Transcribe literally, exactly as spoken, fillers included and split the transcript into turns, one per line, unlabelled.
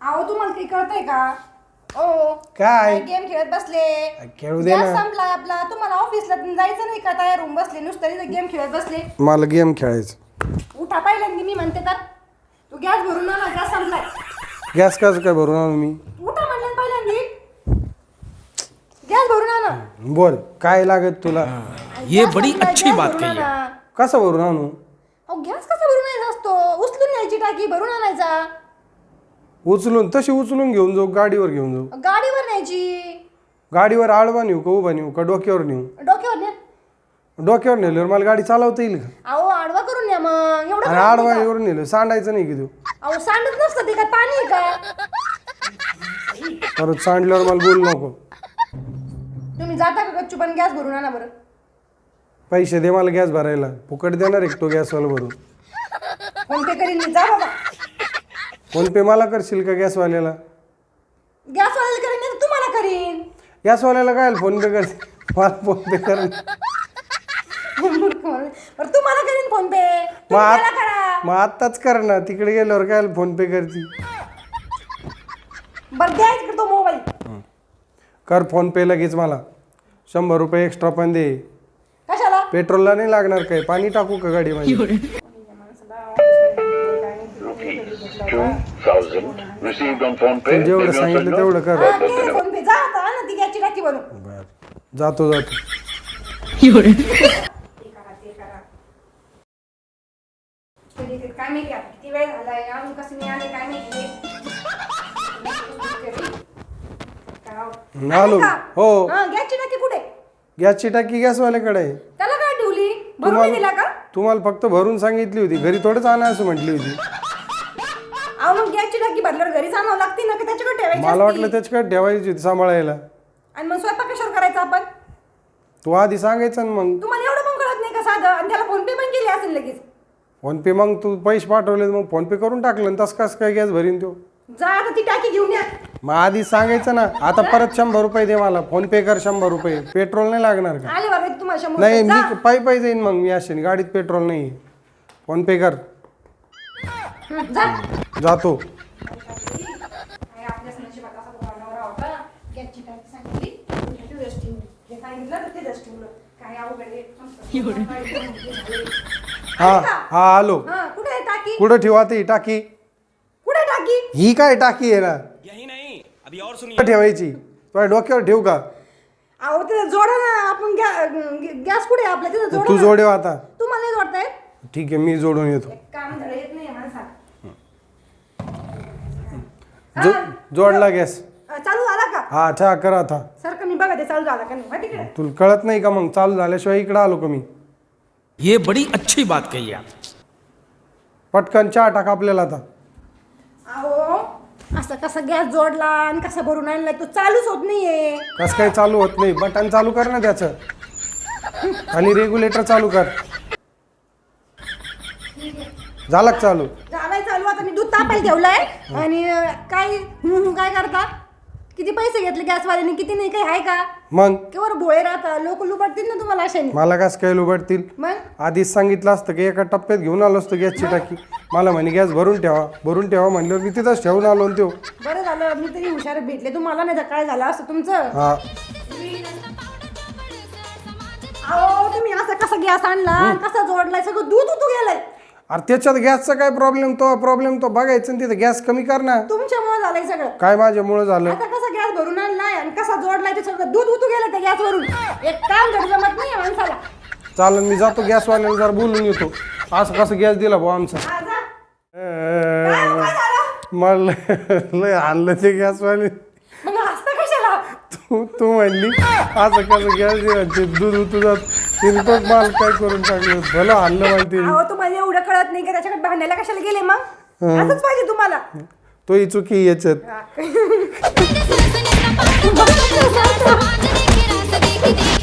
अहो तुम्हाला काही कळतंय का? ओ
काय
गेम खेळत बसले.
खेळू दे ना.
गॅस संपला आपला. तुम्हाला ऑफिसला जायचं नाही का? तयार होऊन बसले नुसतं गेम खेळत बसले.
मला गेम खेळायचं.
उठा पहिल्यांदा मी म्हणते तर तू गॅस भरून आणा, गॅस संपलाय.
गॅस कसं काय भरून आणू मी?
उठा म्हणलं पहिल्यांदा गॅस भरून आणा.
बोल काय लागत तुला?
ये
गॅस
बड़ी
संपलाय,
अच्छी
गॅस
बात
भरून
कही है.
आणा.
कसं भरून आणू?
अहो गॅस कसा भरून आणायचा असतो? उचलून न्यायची टाकी भरून आणायचा.
उचलून तशी उचलून घेऊन जाऊ, गाडीवर घेऊन जाऊ.
गाडीवर न्यायची.
गाडीवर आडवा नेऊ का उभा नेऊ का डोक्यावर नेऊ?
डोक्यावर न्या.
डोक्यावर नेल्यावर मला गाडी चालवता येईल का?
अहो आडवा करून न्या मग. एवढं
आणि
कळत
आडवा
नाही का?
एवढं नेलं सांडायचं नाही की तू?
अहो सांडत नसतं ते काय पाणी आहे का?
परत सांडल्यावर मला बोलू नको.
तुम्ही जाता का गच्चू पण गॅस भरून आणा बरं.
पैसे दे मला गॅस भरायला. फुकट देणार एक तो गॅसवाला भरून.
फोन पे करीन मी. जा बाबा.
फोन पे मला करशील का गॅसवाल्याला?
गॅसवाल्याला करीन नाही तर तुम्हाला करीन.
गॅसवाल्याला काय फोन पे कर? मला फोन पे कर.
बरं तुम्हाला करीन फोन पे.
मग
तुम्ही मला
आत-
करा.
मग आत्ताच कर ना. तिकडे गेल्यावर काय फोन पे करती?
बरं द्या इकडे तो मोबाईल.
कर फोन पे लगेच. मला शंभर रुपये एक्स्ट्रा पण दे.
कशाला?
पेट्रोलला नाही लागणार काय? पाणी टाकू का गाडीमध्ये?
Received on phone pay.
जेवढं सांगितलं तेवढं कर.
हा, केलं फोन पे. जा आता आणा ती गॅसची टाकी बनवून.
बर जातो जातो.
ते करा ते करा. कधी ते काय माहिती आता किती वेळ झालाय अजून कसं नाही आले काय माहिती. काय
आलो. हो.
हा गॅसची टाकी कुठे?
गॅसची टाकी गॅसवाल्याकडे आहे.
त्याला काय ठेवली? भरून नाही दिला का?
तुम्हाला फक्त भरून सांगितली होती. घरी थोडंच आणा असं म्हटली होती.
अहो मग गॅसची टाकी भरल्यावर घरी आणावं लागते ना, की त्याच्याकडे ठेवायची
मला
असती?
वाटलं त्याच्याकडे ठेवायची होती सांभाळायला.
आणि मग स्वयंपाक कशावर करायचा आपण?
तू आधी सांगायचं ना मग.
तुम्हाला एवढं पण कळत नाही का साधं? आणि त्याला फोन पे पण केली असेल लगेच.
फोन पे मग तू पैसे पाठवले मग फोन पे करून टाकलं तस कसं काय गॅस भरीन तो?
जा आता ती टाकी घेऊन या.
मग आधी सांगायचं ना. आता परत शंभर रुपये दे मला. फोन पे कर शंभर रुपये. पेट्रोल नाही लागणार का?
आले बरं तुम्हाला शंभर
नाही
रुपये. जा.
मी पायी पायी जाईन मग. मी असेल गाडीत पेट्रोल नाही. फोन पे कर.
हं, जा.
जातो.
काय आपल्याच नशिबात असा तो नवरा होता. गॅसची टाकी सांगितली, तिथेच ठेवली. जे सांगितलं तर तिथेच ठेवलं. काय अवघड आहे.
हा हा आलो.
हा कुठे आहे टाकी?
कुठं ठेवा ती टाकी?
कुठे आहे टाकी?
ही काय टाकी आहे ना?
यही नहीं, अभी और सुनिए.
कुठं ठेवायची? तुझ्या डोक्यावर ठेवू का?
अहो तिथं जोडा ना. आपण गॅ- गॅस कुठे आहे आपल्या? तिथं जोडा
तू
ना.
जोडेव आता.
तुम्हाला नाही जोडताय?
ठीक आहे मी जोडून येतो.
एक काम झालं येत नाही माणसाला.
जो जोडला गॅस.
अं, चालू झाला का?
हा अच्छा करा आता.
सर का मी बघा ते चालू झाला का नाही. माहिती तिकडे.
तुला कळत नाही का मग? चालू झाल्याशिवाय इकडं आलो का मी?
ये बड़ी अच्छी बात कही आप.
पटकन चहा टाक आपल्याला आता.
अहो असं कसा गॅस जोडला आणि कसा भरून आणलाय तो चालूच होत नाहीये.
कसं काही चालू होत नाही? बटन चालू कर ना त्याचं. आणि रेग्युलेटर चालू कर. झालं का चालू?
झालाय चालू. आता मी दूध तापायला ठेवलंय आणि अं, काय हं, हं, काय करता? किती पैसे घेतले गॅसवाल्याने? किती नाही काही आहे का?
मग
केवळ भोळे राहता लोक लुबाडतील ना तुम्हाला अशाने.
मला कसं काय लुबाडतील?
मग
आधीच सांगितलं असतं की एका टप्प्यात घेऊन आलो असतो गॅसची टाकी. मला म्हणे गॅस भरून ठेवा भरून ठेवा म्हणल्यावर मी तिथंच ठेवून आलो आणि त्यो.
बरं झालं मी तरी हुशार भेटले तुम्हाला, नाही तर काय झालं असं तुमचं.
हा
अहो तुम्ही असा कसा गॅस आणला कसा जोडलाय सगळं दूध उतू गेलंय.
अरे त्याच्यात गॅसचा काय प्रॉब्लेम? तो प्रॉब्लेम तो बघायचं ना. तिथं गॅस कमी कर ना.
तुमच्यामुळे झालंय सगळं.
काय माझ्यामुळं झालं?
आता कसा गॅस भरून आणलाय आणि कसा जोडलाय ते सगळं दूध उतू गेलं त्या गॅसवरून. एक काम धड जमत नाही माणसाला.
चालन मी जातो गॅसवाल्याला जरा बोलून येतो. असं कसं गॅस दिला भाऊ आमचा?
हा, जा. काय हो, काय झालं?
मला लय आणलं ते गॅसवाले.
मग हसता कशाला?
तू तू म्हणली असं कसं गॅस दिला ते दूध उतू जात. तिने तो माल काय करून टाकलं. भलं आणलं माहिती.
अहो तुम्हाला एवढं कळत नाही का त्याच्याकडे भांडायला कशाला गेले मग? असंच पाहिजे तुम्हाला.
तो ही चुकी याच्यात.
हा.